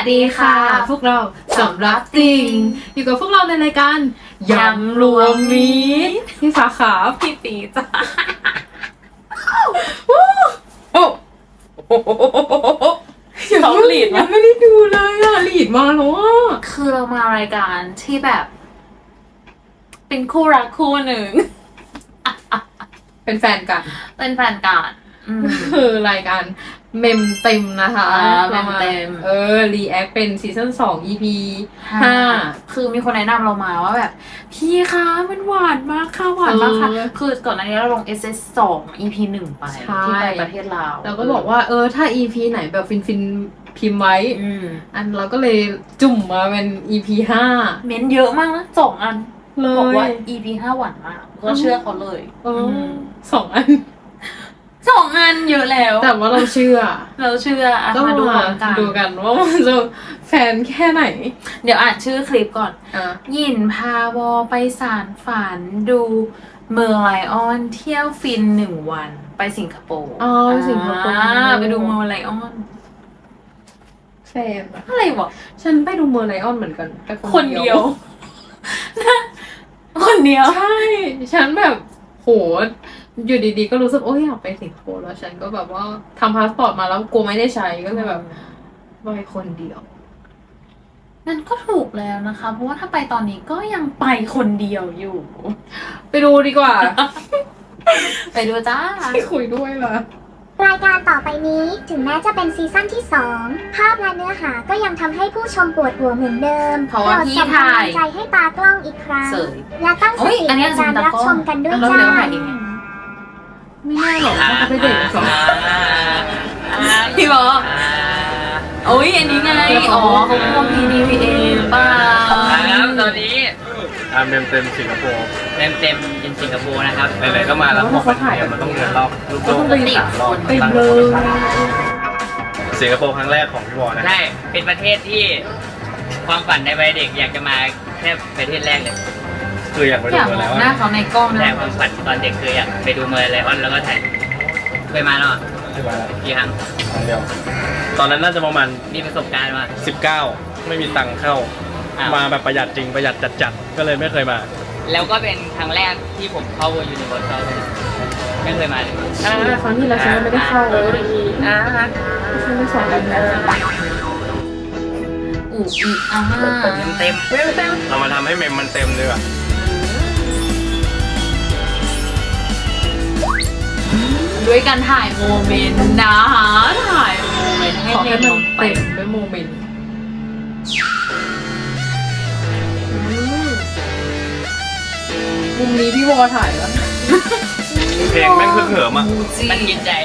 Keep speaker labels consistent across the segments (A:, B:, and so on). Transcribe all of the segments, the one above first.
A: ดีค่ะพวกเราสำรับจริงอยู่กับพวกเราในรายการยำรวมมิตรพี่ฟ้าขาพี่ปีจ้าเขาหลีดยังไม่ได้ดูเลยอะหลีดมาแล้วอะ
B: คือเรามารายการที่แบบ เป็นคู่รักคู่หนึ่ง
A: เป็นแฟนกัน
B: เป็นแฟนกัน
A: คือรายการเมมเต็มนะคะ
B: เมมเต็ม
A: รีแอคเป็นซีซั่น2 EP 5
B: คือมีคนแนะนำเรามาว่าแบบพี่คะมันหวานมากค่ะหวานมากค่ะคือก่อนหน้านี้เราลง SS 2 EP 1 ไปที่ไปประเทศลาว
A: เราก็บอกว่าถ้า EP ไหนแบบฟินพิมพ์ไว้อันเราก็เลยจุ่มมาเป็น EP 5
B: เม้นเยอะมากนะ2 อันบอกว่า EP 5 หวานมากก็เชื่อเขาเลย
A: 2 อัน
B: 2 อันเยอะแล้ว
A: แต่ว่าเราเชื่อ
B: ก็มาดู
A: กันว่ามันจะแฟนแค่ไหน
B: เดี๋ยวอ่านชื่อคลิปก่อนหยินพาวอไปสารฝันดูเมอร์ไลออนเที่ยวฟิน1 วันไปสิงคโปร์
A: สิงคโปร์
B: ไปดูเมอร์ไลออน
A: แฟน
B: อะไรวะ
A: ฉันไปดูเมอร์ไลออนเหมือนกันแต่
B: คนเดียวคนเดียว
A: ใช่ฉันแบบโหอยู่ดีๆก็รู้สึกอยากไปสิงคโปร์แล้วฉันก็แบบว่าทำพาสปอร์ตมาแล้วกลัวไม่ได้ใช้ก็เลยแบบไปคนเดียว
B: นั่นก็ถูกแล้วนะคะเพราะว่าถ้าไปตอนนี้ก็ยังไปคนเดียวอยู่
A: ไปดูดีกว่า
B: ไปดูจ้า
A: ไม่คุยด้วยล่ะ
C: รายการต่อไปนี้ถึงแม้จะเป็นซีซั่นที่2ภาพและเนื้อหาก็ยังทำให้ผู้ชมปวดหัวเหมือนเดิม
B: เพราะว่าพี่ถ่าย
C: ใจให้ตากล้องอีกครั้งและตั้งสติในการรับชมกันด้วย
B: จ้า
A: ไม่แน่หรอกว่าจะไปเด็กสอง
B: พี่บอกอันนี้ไงเขาพวก PDPA ป่ะ
D: แล้วตอนนี้
E: เต็มสิงคโปร์
D: เต็มอินสิงคโปร์นะครับ
E: ไหนๆก็มาแล้วพอไปเนี่ยมันต้องเดินรอบลูกโลก3 รอบ
A: ไปเลย
E: สิงคโปร์ครั้งแรกของพี่วอนะ
D: ใช่เป็นประเทศที่ความฝันในวัยเด็กอยากจะมาแค่ประเทศแรกเลย
E: คืออยากไปดูมาแล้ว
B: หน้าเขาในกล้อง
D: แต่ความฝันตอนเด็กคืออยากไปดูเมอร์ไลออนแล้วก็ถ่ายเคยมาแล้วกี่ครั้ง
E: เดียวตอนนั้นน่าจะประมาณ
D: มีประสบการณ์มา
E: 19ไม่มีตังค์เข้ามาแบบประหยัดจริงประหยัดจัดก็เลยไม่เคยมา
D: แล้วก็เป็นครั้งแรกที่ผมเข้ายูนิเวอร์แซลไม่เคยมาเลย
A: ครั้งที่แล้วฉันไม่ได้เข้าเลยฉันไม่สอนเลยนะ
D: เต็ม
E: เรามาทำให้เมมมันเต็มเลยอ่ะ
B: ด้วยการถ่ายโมเมนต์นะคะถ่ายโมเมนต์ให้
A: มันเต็มด้วยโมเมนต์มุมนี้พี่วอถ่ายแล้ว
E: เพลงแม่งเหิมอ่ะ
D: มันกินใจ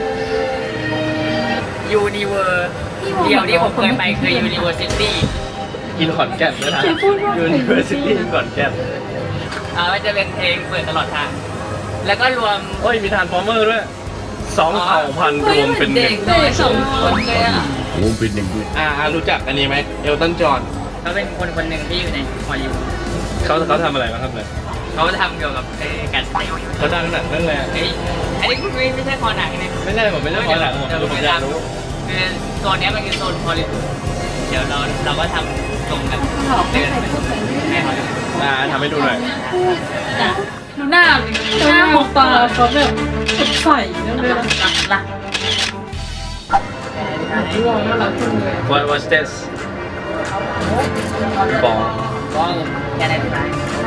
D: ยูนิเวอร์เดียวที่ผมเคยไปคือยูนิเวอร์ซิตี้
E: กินขอนแก่นด้วยนะยูนิเวอร์ซิตี้ขอนแก่น
D: มันจะเป็นเพลงเปิดตลอดทางแล้วก็รวม
E: มีทานฟอร์เมอร์ด้วย2 เผ่าพันธุ์รวมเป็น
B: เด็กเลย2 คนเลย
E: รวมเป็นหนึ่งรู้จักอันนี้ไหมเอลตันจอห์น
D: เขาเป็นคนหนึ่งที่อยู่ในฮอลลีวูด
E: เขาทำอะไรบ้างครับเลย
D: เขาทำเกี่ยวกับการ
E: เขาดังหนังนั่นแหละ
D: อันนี้ไม่ใช่คอหนังนะ
E: ไม่ใช่ผมไม่ใช่คอหนังผมอยากรู้
D: คือโซนนี้มันคือโซนฮอลลีวูดเดี๋ยวเราก็ทำตรงกัน
E: ทำให้ดูหน่อย
B: ดูหน้า
A: หมกตาเขาแบบสดใสนั่นเลย
B: ล่ะ
A: พี่วอน่ารักจังเลย
E: What's this บอล
D: แค่ไหนดีไหม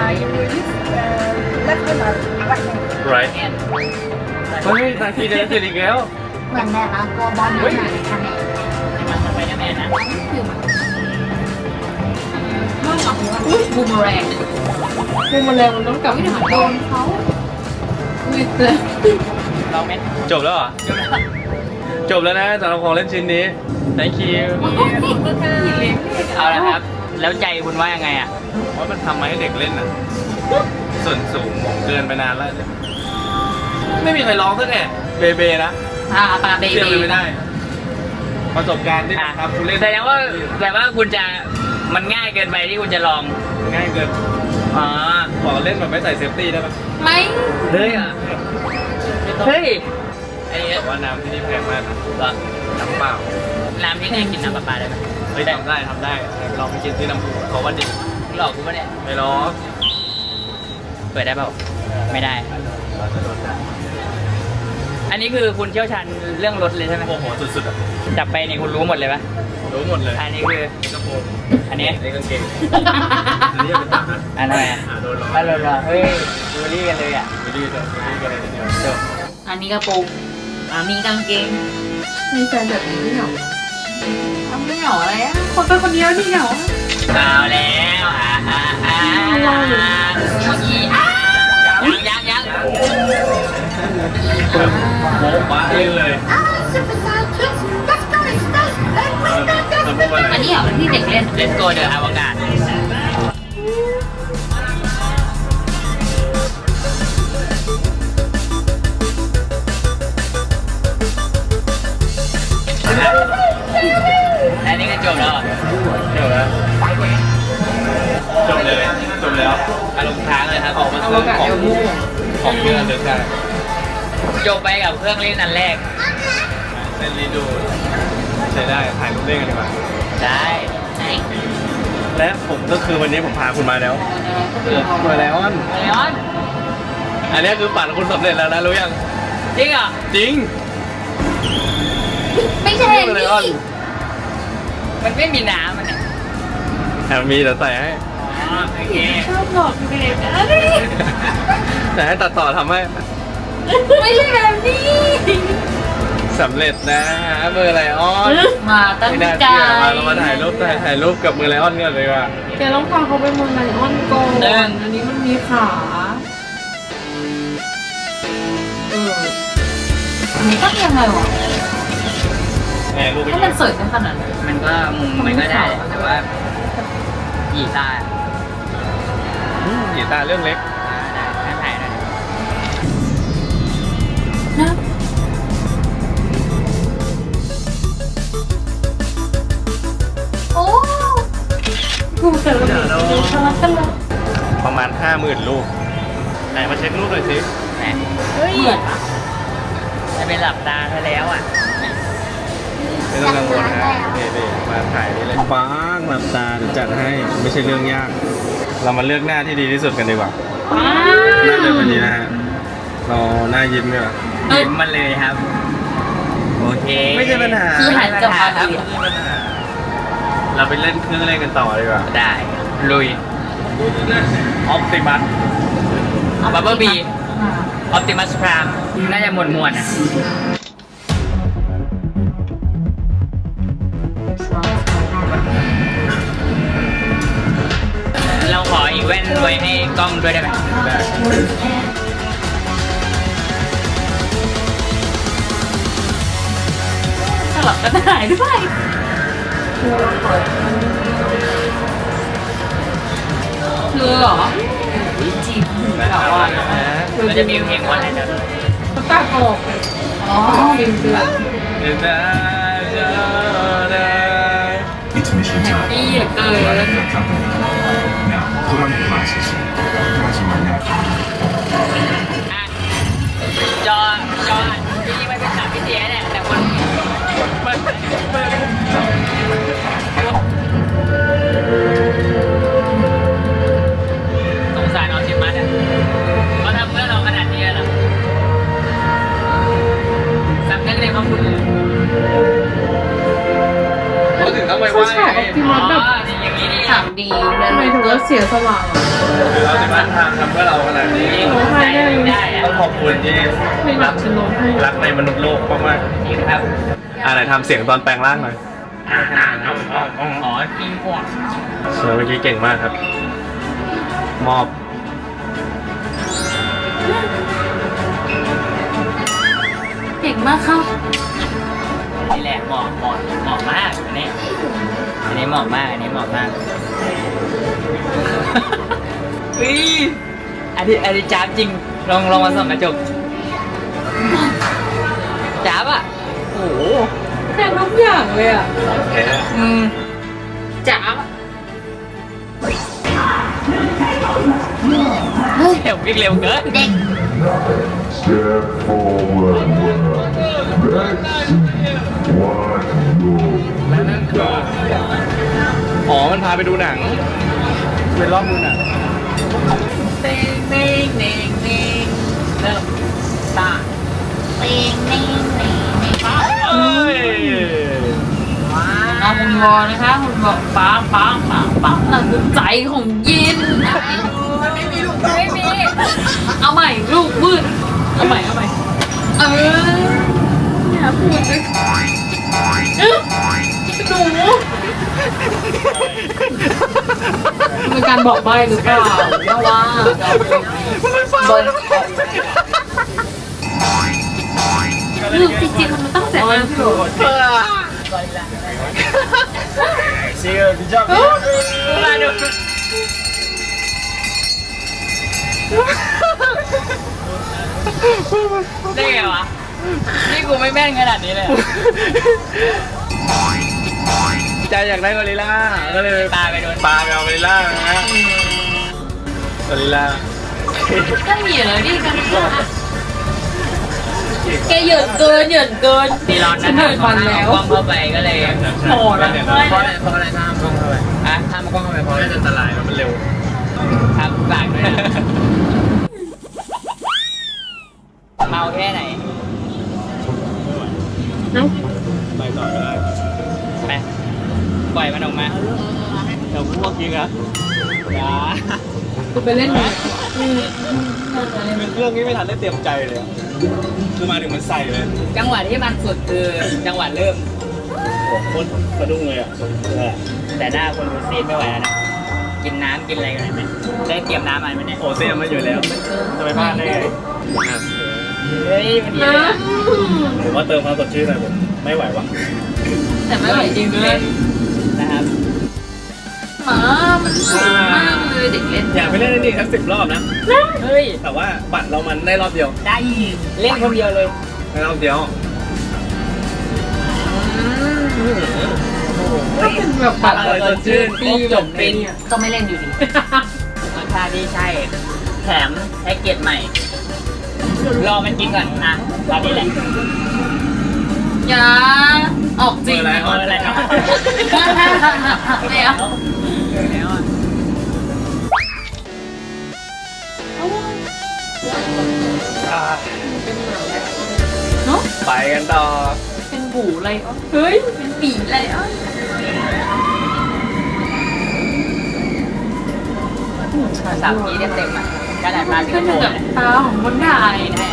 E: right นาทีเดียวเสร็จอีกแล้ว
C: เหมือนแบบว่าตัวบอลอยู่ไหนคะแม่
D: มันไปได้แม่นะ
B: บูมแรง
A: มันต้องกลับ
B: ไม่ถึงโดนเขา
A: วิดเลย
D: เราเม็ด
E: จบแล้วเหรอจบแล้วนะสำหรับของเล่นชิ้นนี้ thank you
D: เอาละครับแล้วใจคุณว่ายังไงอ่ะ
E: ว่ามันทำมาให้เด็กเล่นอ่ะส่วนสูงเกินไปนานแล้วไม่มีใครร้องสักแน่เบเบนะ
B: ปาเบเบ
E: เชื่อเลยไม่ได้ประสบการณ์ที่ครับคุณเล่น
D: แสดงว่าคุณจะมันง่ายเกินไปที่คุณจะลอง
E: ง่ายเกินขอเล่นแบบไม่ใส่เซฟตี้ได้ไหม
B: ไม่
D: เลยอ่ะเฮ้ย
E: แต่ว่าน้ำที่นี่แพงมากนะน้ำเปล่า
D: น้ำที่นี่กินน้ำประปาได้ไหม
E: เฮ้ยทำได้ลองไปกินที่น้ำพุเขาว่าดี
D: หลอกกูปะเนี่ย
E: ไม่หรอก
D: เปิดได้เปล่าไม่ได้ อันนี้คือคุณเชี่ยวชาญเรื่องรถเลยใช่ไหม
E: โอ้โหสุดๆอ่ะ
D: จับไปนี่คุณรู้หมดเลยปะ
E: รู้หมดเลย
D: อันนี้คือ
E: กระโปรง
D: อันนี้
E: อันนี้กางเกงอันนี้เป็นตับนะ
D: อันนั้นไง
E: โดนล้อ
D: ถ้าเราเฮ้ยดูรี่กันเลยอ่ะ
E: ไม่ดีเลยไม่ดีกันเลยทีเดียว
D: จบ
B: อันนี้กระโปรงอันนี้กางเกง
A: มีแฟนแบบนี้ไม่เหรอ
B: ทำไม่เหงาอะไรอ่ะคนเป็นคนเดียวที่เหงา
D: เอาแล้วยัง
E: โบ๊ะบ้าเลย เราพูดว่าอะไร
B: อันนี้เหรอที่เด็กเล่น
D: Let's go เดินอวกาศอันนี้ก็จบแล้ว
E: จบแล้วจบเลยจบแล้ว
D: อารมณ์ค้างเลยครับ
E: ออกมาซื้อของเพื่อนเดินได้
D: จบไปกับเครื่องเล่นอันแรก
E: เล่นรีดูใช้ได้ถ่ายรูปเล่นกันดีกว่า
D: ได้
E: และผมก็คือวันนี้ผมพาคุณมาแล้วมาแล้วอัน
D: เลออน
E: อันนี้คือฝันคุณสำเร็จแล้วนะรู้ยัง
D: จริงเหรอ
E: จริง
B: ไม่ใช่
E: มาเลยออน
D: มันไม่มีน้ำมันเนี่ย
E: แต่มีแต่ใส่ให้
D: อ๋อโอเค
B: ชอบหลอกเด็กนะ
E: แต่ให้ตัดต่อทำให้
B: ไม่ใช่แบบนี้
E: สำเร็จนะเบอร์ไลออน
B: มาตั้ง
E: ไม่น่า
B: ใจ
E: เชื่อมาเรามาถ่ายรูปกับมือไลออนกันเลยว่ะ
A: แกต้องพาเขาไปเมืองไลออนก่อนอันนี้มันมีขาเออ
B: อันนี้ก็ยังไงวะ
E: แหมรูปไป
B: ถ้ามันสวยขนาดนั้น
D: มันก็มุมมันก็ได้ แต่ว่ากีตาร์
E: กีตาร์เรื่องเล็ก
D: ได้ให้ถ่ายหน่อย
B: นะโอ้กูเจอแล้วทะเลาะกันเลย
E: ประมาณ 50,000 รูปไหนมาเช็ครูปหน่อยสิ
D: แหม
B: เหมือนปะ
D: จะเป็นหลับตาซะแล้วอ่ะ
E: ไม่ต้องกังวลนะนี่มาถ่ายนี่เลยปังหลับตาเดี๋ยวจัดให้ไม่ใช่เรื่องยาก เรามาเลือกหน้าที่ดีที่สุดกันดีกว่าหน้าเดิมวันนี้นะฮะเราหน้ายิ้มเนี่ย
D: ยิ้มมาเลยครับ โอเค
E: ไม่ใช่ปัญหา
B: คือหันกลับมา
D: ครับ
B: คุยอะ
E: เราไปเล่นเครื่องเล่นกันต่อดีกว่า
D: ได้ลุย
E: ออปติมัส
D: บับเบิ้ลบีออปติมัสพรามน่าจะหมวดอ่ะ เราขออีกแว่นไว้ให้กล้องด้วยได้ไหม
E: ได้
B: สลับกันถ่ายด้วยเธอเหรอจีบหูแบบว่า
D: มันจะมีเพลงวันไหนเดี๋ยว
A: เขาตัดออกเลย
B: อ๋อ
A: ฟิล์มเดือน
E: เดี๋ยวนะจะได้
F: Intermission time.
B: ดีเหลือเกิน
F: Now, put on your glasses. Imagine my neck.
D: อ่ะจอที่ไม่เป็นสามพิเศษเนี่ยแต่คนสงสารออติมัสอ่ะเขาทำเพื่อเราขนาดนี้แล้วสำนึกในพระคุณเลย
E: เขาถึงต้องไปไห
A: เขา
E: ว้
A: ฉายออปติมัสแบบ
D: อย่างนี้นี่
B: ถามดีแล้ว
A: ทำไมถึงว่าเสียสละอ่ะ
E: คือเราจะมาทำเพื่อเราขนาดนี้
A: ร้องไห้ได้เลย
D: ได้อะ
E: ต้องขอบคุณที่
A: ไม่หนักฉันร้องไห้
E: รักในมนุษย์โลกมาก
D: จริงครับ
E: ๆอะไรทำเสียงตอนแปลงร่างหน่อย
D: อ๋อฟิล์มพวก
E: เมื่อกี้เก่งมากครับ มอบ
B: เก่งมากครับ
D: นี่แหละเหมาะมากอันนี้เหมาะมากอันนี้เหมาะมากอุ้ยอันนี้จ้าบจริงลองมาส่องกระจกจ้าบอ่ะโอ้โห
A: แทนทุกอย่างเลยอ่ะ
B: จ๋า
D: เร็ววิ่งเร็วเกิน
F: Step forward. That's one move.
E: มันพาไปดูหนังเป็นรอบดูหนัง
B: เน่งเน่งเน่งเน่งเริ่มตาเน่งเน่งเน่งเน่ง
E: เอ้ย
B: น้องคุณวอนะคะคุณบอกปังปังปังปังนั่นคือใจของยินไม่มีลูกไม่มีเอาใหม่ลูกมืดเอาใหม่เนี่ยพูดด้วยหนูเป็นการบอกใบ้หรือเปล่าว่าบนลูกจริงๆมันตั้งแต่นั้นพี่โรด
E: Siga, bijak.
D: ได้ไงวะ นี่กูไม่แม่นขนาดนี้เลย
E: ใจอยากได้กอริลล่าก็เลย
D: ปลาไปโดน
E: ปลาไปเอากอริลล่านะฮะกอริลล่า
B: ก็มีอยู่แล้วดิกันแกเหยินเกิน
D: ตีร้อนนะ
B: ฉันเหนื่อยฟันแล้ว
D: กล้องเข้าไปก็เลย
B: โหดอะ
D: เพราะอะไรถ้ามกล้องเข้าไปอ่ะถ้ามกล้องเข้าไปเพราะอะไร
E: น่าจะอันตรายมันเร็ว
D: ทำปากด้วยนะเมาแค่ไหน
E: ไปต่อก็ได้
D: ไปปล่อยมันออกมา
E: เดี๋ยวพวกยิงอ่ะ
D: อย่า
A: กูไปเล่นหนัง
E: เป็นเครื่องนี้ไม่ทันได้เตรียมใจเลยอะคือมาถึงมันใส่เลย
D: จังหวะที่มันสุดคือจังหวะเริ่ม
E: โอ้โหโคตรสะดุ้งเลยอ่ะ
D: แต่หน้าคนดูซีดไม่ไหวแล้วนะ กินน้ำกินอะไรกันไหมได้เตรียมน้ำมาไหมเนี่ย
E: โอ้เตรียมมาอยู่แล้วจะไปพลาดได้ไงอ่ะ
D: เฮ้ยมันดีเลยนะ
E: ผมว่าเติมความสดชื่นหน่อยผมไม่ไหวว่ะ
B: แต่ไม่ไหวจริงเลย
D: นะครับ
B: หมามันสวยมากเลยเด็กเล่น
E: อยากไปเล่นนี่ครับ10 รอบนะ
D: เฮ้ย
E: แต่ว่าบัตรเรามันได้รอบเดียว
D: ได้เล่นคนเดียวเลย
E: ได้รอบเดียว
A: ถ้าเป็นแบบบัตร
E: อร่อยสดชื่น
A: ตีแบบเป็น
B: ก็ไม่เล่นอยู่ดี
D: รสชาติที่ใช่ แถมแพ็กเกจใหม่ รอมันกินก่อนอ่ะตอนนี้แหละ
B: อย่าออกจริง
E: อะไร
D: เอาอะไรเอา
B: ไม่เอา
D: แล้วอ่ะ
B: เนาะ
E: ไปกันต่อ
B: เป็นบูอะไรอ่ะเฮ้ยเป็นปีอะไรอ่ะ
D: 3 ทีเต็มๆอ่ะขนาดมาสิง
B: ก็
D: คโป
B: ถึง
D: ร์
B: กับ
D: เนี่ย
B: ตาของคนด่าเลยนะ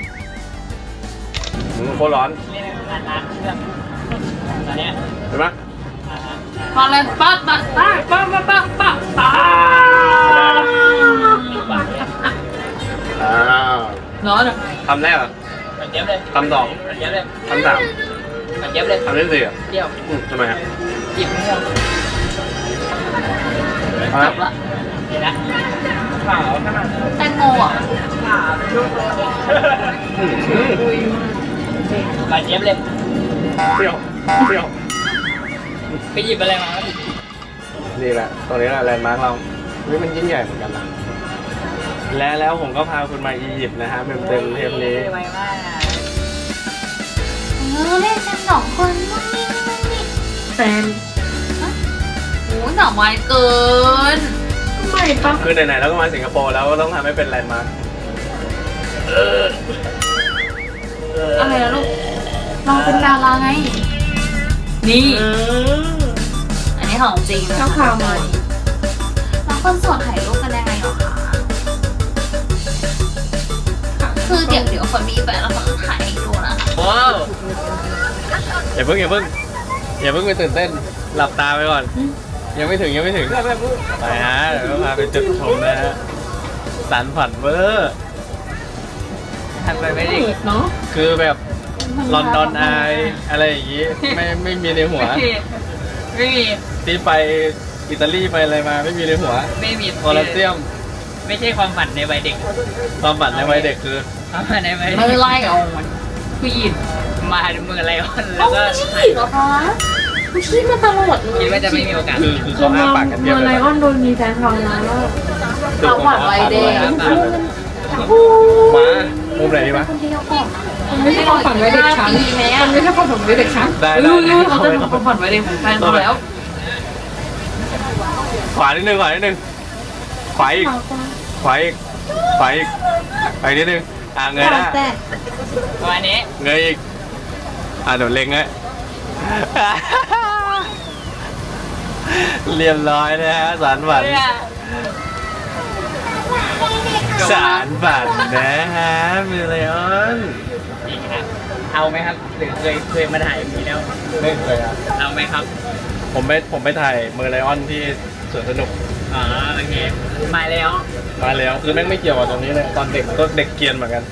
E: โคตรร้อน
D: เล่นงานร้านเครื่องตอนเนี้ย
E: เห็นไหม
B: มาเลยปั๊บปั๊บปั๊บปั๊บปั๊บปั๊บปั๊บ
E: อ้าว
B: ร้อนอ่ะ
E: คำแรกอ่ะ
D: มันเย็บเลย
E: คำสอง
D: มันเย็บเลย
E: คำสาม
D: มันเย็บเลย
E: คำที่สี่อ่ะ
D: เดี่ยว
E: ทำไมอ่ะ
D: หยิบม่วง
E: เอา
B: จ
E: ละ
B: บละ
D: เห็นนะขาวขนาด
B: แตงโมอ่ะ
D: มันเย็บเลย
E: เปรี้ยวเปรี้ยว
D: ไปหยิบอะไรมา
E: นี่แหละตรงนี้แหละแลนด์มาร์คเราเฮ้ยมันยิ่งใหญ่เหมือนกันนะแล้วผมก็พาคุณมาอียิปต์นะฮะเต็มเทปนี้
D: ไวมาก
B: เล่นกัน2 คนมุ่งมิ่งมุ่งมิ่ง
A: แฟน
B: โอ้ยหน่อไม้เกิน
A: ไม่ปะ
E: คือไหนๆเราก็มาสิงคโปร์แล้วก็ต้องทำให้เป็นแลนด์มาร์ค
B: อะไรนะลูกเราเป็นดาราไง นี่ อันนี้ของจริงนะ
A: เจ้าพามา
B: แล้วคนโสดถ่ายรูปกันยังไงเหรอคะคือเดี๋ยวคนมีแฟนแล้วคนถ่ายให้ดูนะคะ
D: ว้าว
E: อย่าเพิ่งไปตื่นเต้นหลับตาไปก่อน ยังไม่ถึงไปฮะเดี๋ยวก็พาไปจุดชมนะฮะสันฝันเวอร์
D: ทำไปไม่ได้
A: เปิดเนาะ
E: คือแบบลอนดอนไออะไรอย่างงี้ไม่มีในหัว
D: ไม่มี
E: ที่ไปอิตาลีไปอะไรมาไม่มีในหัว
D: ไม่มี
E: โคลอสเซียม
D: ไม่ใช่ความฝันในวัยเด็ก
E: ความฝันในวัยเด็กคือ
D: ความฝันในวัย
B: ไม่
D: เด็ก
B: ไล่เอามันคือยิน
D: มาดูมืออะไรอ่อนแล้วก็
B: ฉีดเหรอคะคุณฉีดมาตลอดเลย
D: คิดว่าจะไม่มีโอกาส
E: คือ
A: คื
E: เขา
A: อ
E: อ้า
A: มา
E: ปากกันเทียบ
A: เมื่อ
E: เล
A: ไล
E: ย
A: ออนโดนมีแฟนเขาแล้ว
B: เราหวานไวแดง
E: มามุมไหนดีวะ
B: คนเดียวก่อน
A: มันไม่ใช่ความฝันไว้เด็กฉัน
B: ปีไหม
A: มั
B: อ่ะ
A: นไม่ใช่ความฝันไว้เด็กฉัน
E: ได้
B: รู้เขาจะทำความฝันไว้เด็กของแฟนเขาแล้ว
E: ขวานิดนึงขวานิดนึงขวาอีกขวาอีกขวาอีกไปนิดนึงเงยหน้า
D: ประมาณนี้
E: เงยอีกเดี๋ยวเล็งเลยเรียบร้อยนะฮะสารฝันสารฝันนะฮะมิเลออน
D: นี่ครับเอาไหมครับหรือเคยมาถ่ายอย่างนี้แล้ว
E: ไม่เคยครับ
D: เอาไหมครับ
E: ผมไปถ่ายเมอร์ไลออนที่สวนสนุก
D: อ๋อโอเคมาแล้ว
E: มาแล้วคือแม่งไม่เกี่ยวกับตรงนี้เลยตอนเด็กก็เด็กเกรียนเหมือนกัน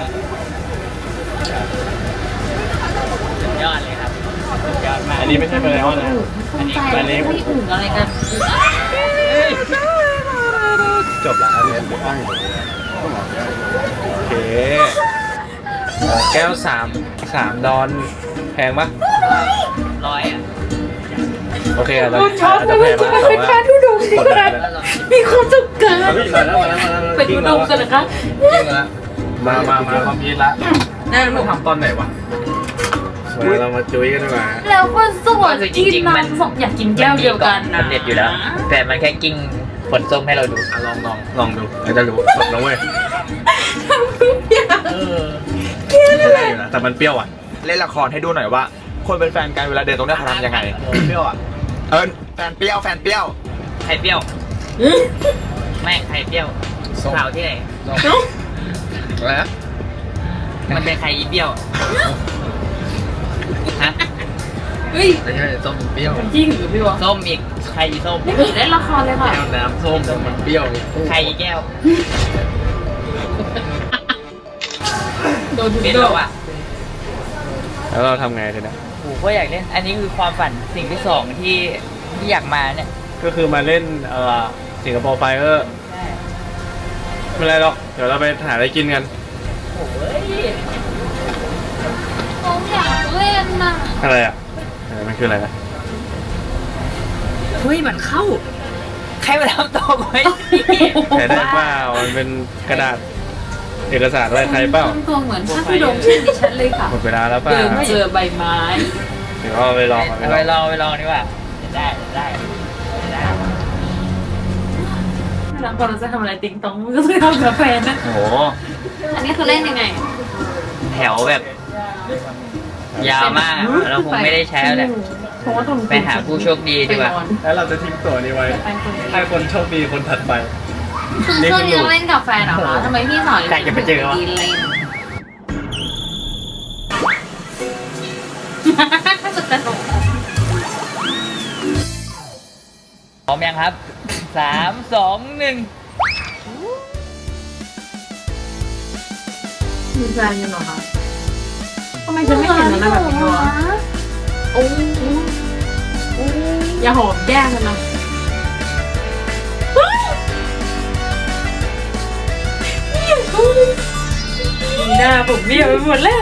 D: สุดยอดเลยครับสุดยอดมาก
E: อันนี้ไม่ใช่เมอร์ไลออนนะ
B: อันนี้ไม่อุ่นอะไรกัน
E: จบละอันนี้โอเคแก้ว3 ดอนแพงปะ
D: ร้อยอ่ะ
E: โอเคอาจจะ
A: ช็อต
E: อาจ
A: เล
E: จะ
A: ย
E: แพ
A: ว่าง จะ
E: มาก
A: เป็
E: แต่
A: น
E: ว่า
A: แค่ทุดงที่ขนาดมีความสุขเกิน
E: มาแล้วมาแล้วมาแล้ว
B: เป็นอุดมกันนะคะ
E: มาความคิดละ
B: นั่นลูก
E: ทำตอนไหนวะมาเรามาจุ้ยกันดีกว่า
B: แล้วคนสวยกินน้ำสองอยากกินแก้วเดียวกันนะ
D: มันเด็ดอยู่แล้ว แต่มันแค่กิ้งผลส้มให้เราดู
E: ลองดูเราจะรู้สดนะเว้ย
D: เออ
E: ได้อยู่นะแต่มันเปรี้ยวอ่ะ
G: เล่นละครให้ดูหน่อยว่า คนเป็นแฟนกันเวลาเดินตรงเนี้ยเขาทำยังไง
E: เปรี้ยวอ่ะ
G: แฟนเปรี้ยวแฟนเปรี้ยว
D: ไข่เปรี้ยวไม่ไข่เปรี้ยวข่าวที่ไหน
E: อะไรนะ
D: มันเป็นไข่อีเปรี้ยวฮะ
B: เฮ้ย
E: ไม่ใช่ส้มเปรี้ยว
B: จริงหรือพี่วะ
D: ส้มอีกไข่อีส้ม
B: ไม่ผิดเล่นละครเลยค่ะ
E: แก้วน้ำส้มมันเปรี้ยว
D: ไข่อีแก้ว
B: โดนทุก
D: เป็น
B: โด
D: แล้ว
B: น
D: อ่ะ
E: แล้วเราทำไงทีนี้
D: โอ้โหก็อยากเล่น อันนี้คือความฝันสิ่งที่สองที่อยากมาเนี่ย
E: ก็คือมาเล่นสิงคโปร์ไฟเออร์ไม่เป็นไรหรอกเดี๋ยวเราไปหาอะไรกินกัน
D: โอ้ย
B: ผมอยากเล่นน่ะ
E: อะไรอ่ะมันคืออะไรนะ
D: เฮ้ยมันเข้า ใครมาทำตัวไว้
E: ใช้ได้เปล่ามันเป็นกระดาษเอกสารอะไรใครเปล่า
B: ตัวเหมือนพระธุดงค์เช่นดิฉันเลยค่ะ
E: หมดเวลาแล้วเปล่า
B: เดินเจอใบไม้
E: เดี๋ยวเอาไปลองเอา
D: เอา
E: ไป
D: ไป
E: ล
D: ล
E: อง
D: องไปลองดีกว่าได้ได้
B: แล้วพอเราจะทำอะไรติ๊งต้องก็จะทำกาแฟนะ
D: โอ้โห
B: อันนี้คือเล่นยังไง
D: แถวแบบ ยาวมากอะเราคงไม่ได้ใช้แล้วแหละ
B: เพราะว่าต้อง
D: ไปหาผู้โชคดีดีกว่า
E: แล้วเราจะทิ้งตัวนี้ไว้
B: ไปคนเดียว
E: ให้คนโชคดีคนถัดไป
B: คือช่วงนี้เราเล่นกาแฟเหรอคะทำไมพี่สอน
D: ใครจะไปเจอวะ
B: ดีเล่นสุดสนุก
D: พร้อมยังครับ 3 2 1
B: มีแฟนกันเหรอคะทำไมฉันไม่เห็นมันแบบนี้วะโอ้อย่าหอมแย่กันนะหน้าผมเบี้ยวไปหมดแล้ว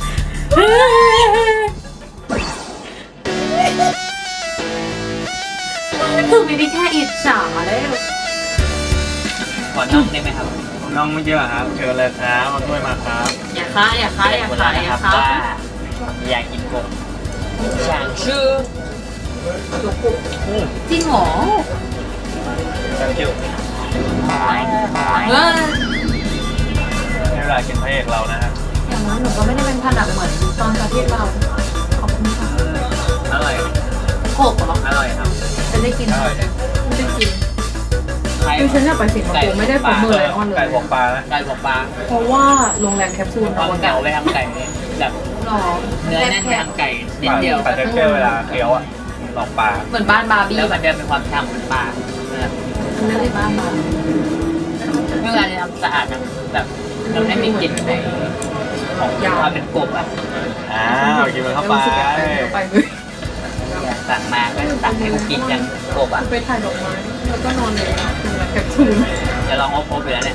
B: คือไม่ได้แค่อิจฉาแล้ว
D: ขอน้องได้ไหมครับ
E: น้องไม่เยอะครับเชิญเลยครับมาด้วยมาครับ
B: อย่าค้าอย่าค้าอย่าขายอย่าค้า
D: ว่าอยากกินกบอยากชื่อ
B: จริงเหรอ
E: thank you
B: เออ
E: ให้เวลากินพระเอกเรานะฮะ
B: อย่างนั้นหนูก็ไม่ได้เป็นผนังเหมือนตอนประเทศเรา ขอบคุณค่ะ
D: อร่อย
B: โขกเหรอ
D: อร่อยครับ
B: จะได้กิน
E: อร่อย
B: ไม่ได้กิน
D: ไข่
B: คือฉันอยากไปสิงคโปร์ไม่ได้ผมมือไลออนเล
E: ไก่
B: ย
E: บวกปลานะ
D: ไก่บอกปลา
B: เพราะว่าโรงแรมแคปซูล
D: เอา
B: อวกา
D: เก่า
B: ศ
D: ไปทำไก่เนี่ยแบบ
B: หรอ
D: เนื้อแน่นไปทำไก่นิดเดียว
E: ปลาเทคเจอร์เวลาเคี้ยวอ่ะลองปลา
B: เหมือนบ้านบาร์บี้
D: แล้วมันจะมีความฉ่ำเหมือนปลา
B: ไม่ได้บ้านบาร์บี้
D: เมื่อการจะทำสะอาดนะแบบมันไม่มีกลิ่นในของความเป็นกบอ่ะ
E: อ้าวกินมันเข้าไป
B: รู้สึกแบบนั้นเข้าไปเลย
D: สั่งมาก็สั่งให้กูกินอย่างกบอ่ะ
B: ไปถ่ายดอกไม้แล้วก็นอนเลยโรงแรมแคปซูล
D: จะลองเอาพบไปแล้วเนี่ย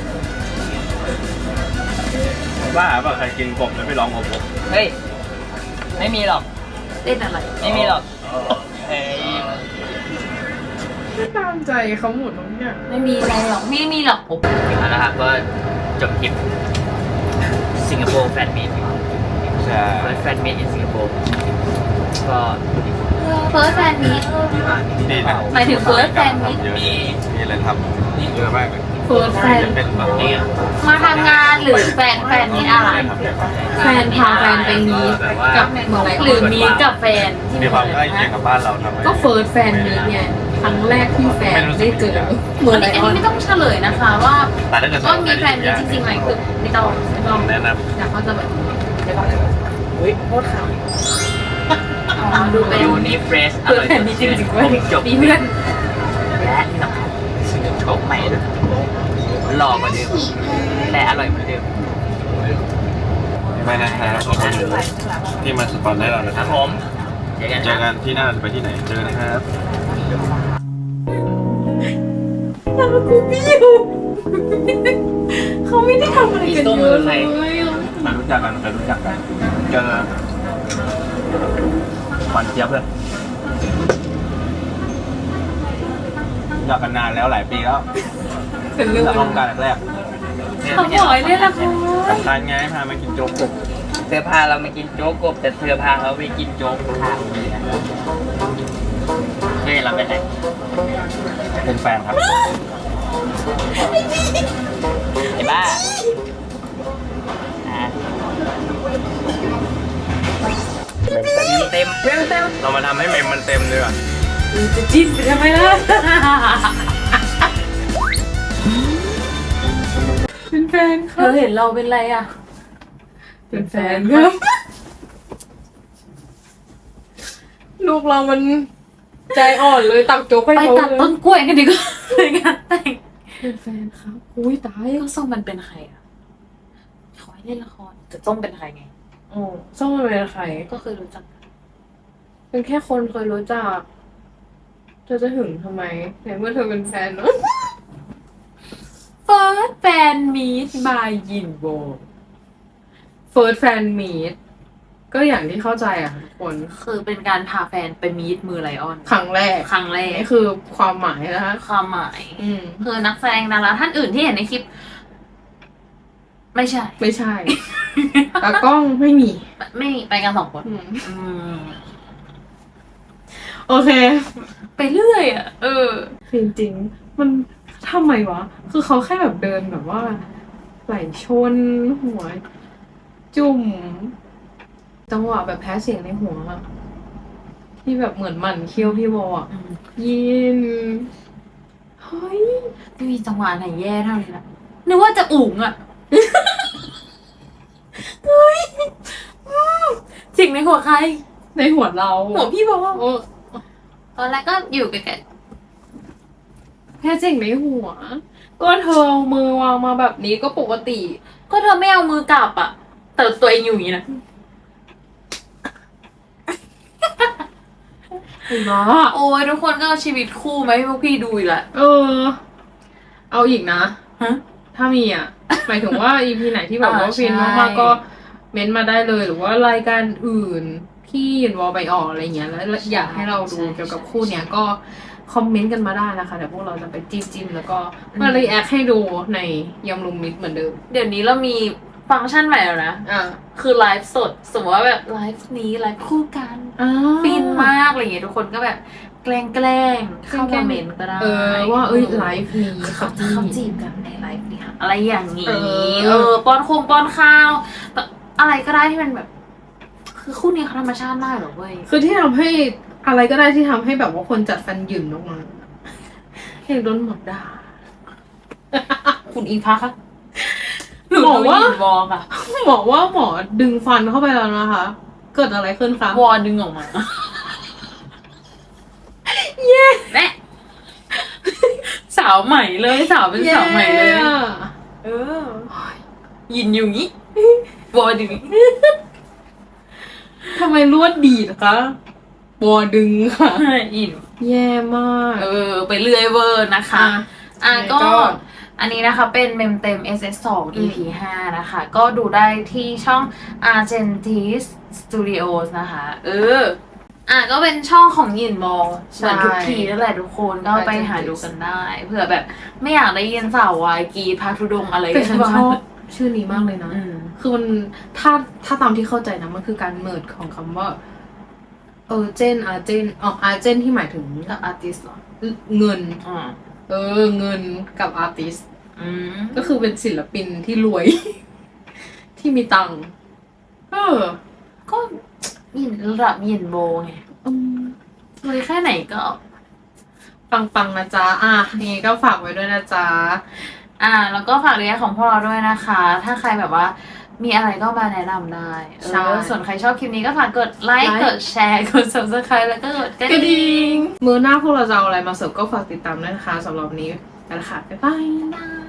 E: บ้าเปล่าใครกินกบแล้วไปลองอบ
D: เฮ้ยไม่มีหรอก
B: เล่นอะไร
D: ไม่มีหรอกเฮ้ย
A: ไม่ตามใจเขาหมดทุกอย่าง
B: ไม่มีอะไรหรอกไม่มีหรอกผม
D: เอาละครับก็จบทริปสิงคโปร์แฟนมีต
E: ใช่
D: แฟนมีตในสิงคโปร์ก็
B: เฟิร์สแฟนมีต
E: ดีนะ
B: หมายถึง first fan meet
E: เยอะดีมีอะไรทำเยอะมากเลย
A: เฟิร์สแฟน
E: จะเป็นแบบนี้
B: มาทำงานหรือแฟนมีตอะไร
A: แฟนพาแฟนไปมีกับเมืองไร
B: หรือมีกับแฟนที่
E: มีความใกล้เคียงกับบ้านเราทำไม
A: ก็เฟิร์สแฟนมีไงครั้งแรกที่แฟนได้เจอเมือง
B: อัน
A: ไร
B: นี้
A: ออน
B: ไม่ต้องเฉลยนะคะว่า
E: แต่ถ้าเกิด
B: ว่ามีแฟนมีจริงๆไหมคือไม่ต้อง
E: แนะน
A: อยากเขาจะแบบ
D: อุ้ยโคตรขาว
B: อ๋อดูเป็น
D: ยูนิเฟรชอ
A: เฟิร์
D: ร่
A: ส
D: อย
A: แฟนมีจริงๆ
D: ผ
A: เว้ย
D: มจบ
A: มีเพื่อน
D: และที่สำคัญซื้อโชคใหม่ด้วยหล่อกว่าเดิมแต่อร่อยเหมือนเดิม
E: ำไม่นะครับขอบคุณที่มาสปอนให้เรานะ
D: ค
E: ค
D: รั
E: รั
D: บบ ผมเจอกัน
E: เจ
D: ค
E: อกั
D: รับ
E: นที่หน้าจะไปที่ไหนเจอกันนะครับ
A: กูพี่อยู่เขาไม่ได้ทำอะไรกันเยอะเลย
G: มารู้จักกันเจอหวานเจี๊ยบเลยรู้จักกันนานแล้วหลายปีแล้ว
A: เป็นเรื่อง
G: จากห้องการแรก
B: เขาบอกให้เล่นละคร
E: ๆสำคัญไงพามากินโจ๊กกบ
D: เธอพาเรามากินโจ๊กกบแต่เธอพาเราไปกินโจ๊กทางเรือเฮ้ยเราเป็นไร
G: เป็นแฟนครับ
D: ไอ้บ้าอ่ะเต็ม
E: เรามาทำให้เมมมันเต็มเลยอ่ะ
B: จะจิ้นไปทำไมล่ะ
A: เป็นแฟน
B: เธอเห็นเราเป็นไรอ่ะ
A: เป็นแฟนครับลูกเรามันใจอ่อนเลยตักโจ๊กให้
B: ไป
A: เขา
B: ตัด
A: เลย
B: ต้นกล้วยกันดีกว่าในงานแต่ง
A: เป็นแฟนครับอุ้ยตาย
B: ก็ส้มมันเป็นใครอ่ะขอให้เล่นละครแต่ส้มเป็นใครไง
A: โอ้ส้มมันเป็นใคร
B: ก็เคยรู้จัก
A: เป็นแค่คนเคยรู้จักเธอจะหึงทำไมในเมื่อเธอเป็นแฟนเนอะ
B: เฟิร์สแฟนมีทบายยินโบ
A: เฟิร์สแฟนมีตก็อย่างที่เข้าใจอ่ะทุกคน
B: คือเป็นการพาแฟนไปมีทมือไลออน
A: ครั้งแรก
B: ครั้งแรก
A: นี่คือความหมายนะคะ
B: ความหมาย
A: อืม
B: คือนักแสดงดาราท่านอื่นที่เห็นในคลิป ไม่ใช่
A: ไม่ใช่ ตากล้องไม่มี
B: ไม่มีไปกันสองคน
A: อืม
B: อืม
A: โอเค
B: ไปเรื่อยอ่ะ
A: จริงๆมันทำไมวะ คือเขาแค่แบบเดินแบบว่าไหลชนหัว จุ่มจังหวะแบบแพ้เสียงในหัวอะที่แบบเหมือนหมันเคี้ยวพี่วออะยินเฮ้ย
B: ไม่มีจังหวะไหนแย่เท่านี้ละนึกว่าจะอุ๋งอ่ะสิ่งในหัวใคร
A: ในหัวเรา
B: หัวพี่บอก
A: โอ้
B: ตอนแรกก็อยู่ใกล้
A: แค่เสียงในหัว ก็เธอเอามือวางมาแบบนี้ก็ปกติ
B: ๆก็เธอไม่เอามือกลับอ่ะ แต่ตัวเองอยู่อย่างนี้นะ
A: เห็นปะ
B: โอ้ยทุกคนก็เอาชีวิตคู่มาให้พวกพี่ดูอีกละ
A: เออ เอาอีกนะ
B: ฮะ
A: ถ้ามีอ่ะ หมายถึงว่า EP ไหนที่แบบว่า
B: ใช่
A: ฟินมากๆก็เม้นต์มาได้เลย หรือว่ารายการอื่นที่ยินวอลไปออกอะไรเงี้ยแล้วอยากให้เราดูเกี่ยวกับคู่เนี้ยก็คอมเมนต์กันมาได้นะคะเดี๋ยวพวกเราจะไปจิ้มแล้วก็มารีแอคให้ดูในยำลุมมิตรเหมือนเดิม
B: เดี๋ยวนี้เรามีฟังก์ชันใหม่แล้วนะ
A: อ่ะ
B: คือไลฟ์สด สมมติว่าแบบไลฟ์นี้ไลฟ์คู่กัน ฟินมากอะไรอย่างเงี้ยทุกคนก็แบบแกล้งเข้ามาเมนต์ก็ได้
A: ว่าไลฟ์นี้
B: เขาจะเข้าจีบกันในไลฟ์เนี่ยอะไรอย่างนี้
A: เออ
B: ป้อนข้าวแบบอะไรก็ได้ที่มันแบบ คือคู่นี้เขาธรรมชาติมากเหรอเว้ย
A: คือที่ทำให้อะไรก็ได้ที่ทำให้แบบว่าคนจัดฟันหยื่นออกมาเห็นโดนหมดด่า
B: คุณอิงฟ้าคะหนู
A: บอกว่า
B: ดูยินวอลค่ะ
A: บอกว่าหมอดึงฟันเข้าไปแล้วนะคะ เกิดอะไรขึ้นคะ
B: วอลดึงออกมาแม่สาวใหม่เลยสาวเป็นสาวใหม่เลย
A: อะ
B: เออยินอยู่งี้วอลดึง
A: ทำไมลวดดีดคะบอดึงค่ะ
B: ยิน
A: แย่มาก
B: ไปเรื่อยเวอร์นะคะ ก็
A: ก็
B: อันนี้นะคะเป็นเมมเต็ม SS2 EP 5 นะคะ ก็ดูได้ที่ช่อง Argentis Studios นะคะ ก็เป็นช่องของยินมองเหมือนทุกทีนั่นแหละทุกคนก็ไปหาดูกันได้เผื่อแบบไม่อยากได้ยินสาววายกรีดพาทุดงอะไร
A: แต่ฉัน
B: บ้าง
A: ชอบชื่อนี้มากเลยนะ
B: อืม
A: คือมันถ้าตามที่เข้าใจนะมันคือการเมิร์ดของคำว่าเจนอาร์เจนอาร์เจนที่หมายถึง
B: กับอาร์ติสเหรอ
A: เงิน
B: อ่า
A: เงินกับอาร์ติส
B: อืม
A: ก็คือเป็นศิลปินที่รวย ที่มีตังค์
B: ก็ยินระดับยินโบไงรวยแค่ไหนก็
A: ปังนะจ๊ะนี่ก็ฝากไว้ด้วยนะจ๊ะ
B: แล้วก็ฝากเรียนของพวกเราด้วยนะคะ ถ้าใครแบบว่ามีอะไรก็มาแนะนำได้
A: ใช่
B: ส่วนใครชอบคลิปนี้ก็ฝากกดไลค์ กดแชร์ กด subscribe แล้วก็กดกระ
A: กระ
B: ดิ่
A: ดิ่
B: ง
A: งมือหน้าพวกเราจะเอาอะไรมาเสิร์ฟก็ฝากติดตามด้วยนะคะสำหรับวันนี้ไปละค่ะบ๊ายบาย